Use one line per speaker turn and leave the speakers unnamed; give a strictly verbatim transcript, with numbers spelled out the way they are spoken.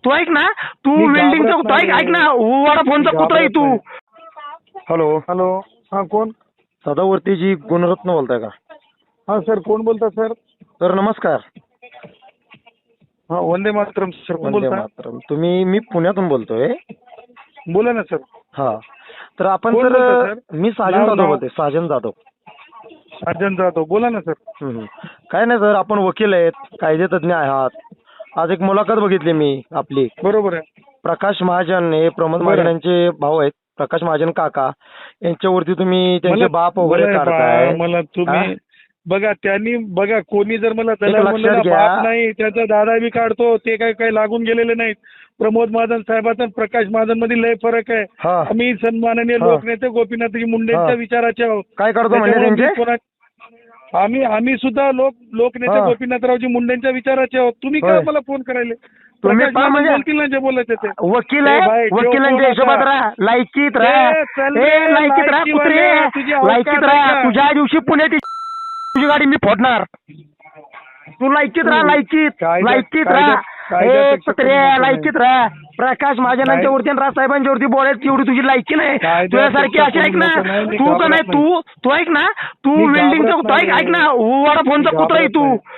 तू ऐक ना, तू
मी
वेल्डिंगचा
घाबरत
तू ऐक
नाही.
ऐक ना, वडाफोनचा
मी
कुत्रा आहे
घाबरत
तू.
नाही.
हॅलो,
हॅलो, हा कोण?
सदावर्तीजी गुणरत्न बोलताय का?
हा सर, कोण बोलता सर?
सर नमस्कार.
हा, वंदे मातरम सर, कोण
वंदे
बोलता?
मातरम. तुम्ही मी पुण्यातून बोलतोय.
बोला ना सर.
हा, तर आपण
कोण
सर
बोलता सर?
मी साजन
नाव-
जाधव
नाव.
बोलतोय. साजन जाधव.
अर्जन जाधव, बोला ना सर.
हम्म. काय नाही सर, आपण वकील आहेत, कायदे तज्ञ आहात. आज एक मुलाखत बघितली मी आपली.
बरोबर आहे.
प्रकाश महाजन हे प्रमोद
बरं.
महाजन यांचे भाऊ आहेत. प्रकाश महाजन काका यांच्यावरती तुम्ही त्यांचे
मला
बाप वगैरे
मला
काढताय.
बा- मला तुम्ही बघा, त्यांनी बघा, कोणी जर मला दलाल
लक्षात
म्हणलं ना,
घ्या.
बाप नाही, त्याचा दादा बी काढतो, ते काय काय लागून गेलेले नाहीत. प्रमोद महाजन साहेबांचा आणि प्रकाश महाजन मध्ये लय फरक आहे.
हा.
आम्ही सन्माननीय
हा.
लोकनेते गोपीनाथजी मुंडेंच्या
हा.
विचाराचे आहोत.
काय करतो म्हणजे
त्याच्यामुळे मी
त्यांचे?
कोणा- आम्ही आम्ही सुद्धा लोक लोकनेते
हा.
गोपीनाथरावजी मुंडेंच्या विचाराचे आहोत. तुम्ही
होय.
काय मला फोन करायले?
तुम्ही
प्रकाश
पहा
महाजन
म्हणजे-
बोलतील ना जे बोलायचे ते.
वकील
ए
आहे,
भाई, ठेव
वकिलांच्या
फोन
हिशोबात
आता.
राहा, लायकीत राहा.
ए, चल
ए,
रे,
लायकीत राहा कुत्रे,
लायकीवाल्या, तुझी अवकात
लायकीत
आहे
राहा.
का?
तुझ्या दिवशी पुण्यात तुझी गाडी मी फोडणार. तू लायकीत राहा, लायकीत
कायद्यात-
लायकीत
कायद्यात-
राहा.
कायद्यात
ए
शिक्षा
कुत्रे,
कमी नाही.
लायकीत राहा. प्रकाश महाजनांच्या वरती आणि राजसाहेबांच्या वरती बोलायची एवढी तुझी लायकी नाही.
कायद्यात
तुझ्यासारखी
शिक्षा
अशी ऐक ना,
कमी नाही. मी
तू का
घाबरत
नाही, तू तू ऐक ना, तू
मी
वेल्डिंगचा
घाबरत
तू ऐक
नाही.
ऐक ना, वडाफोनचा कुत्रा आहे
घाबरत
तू.
नाही.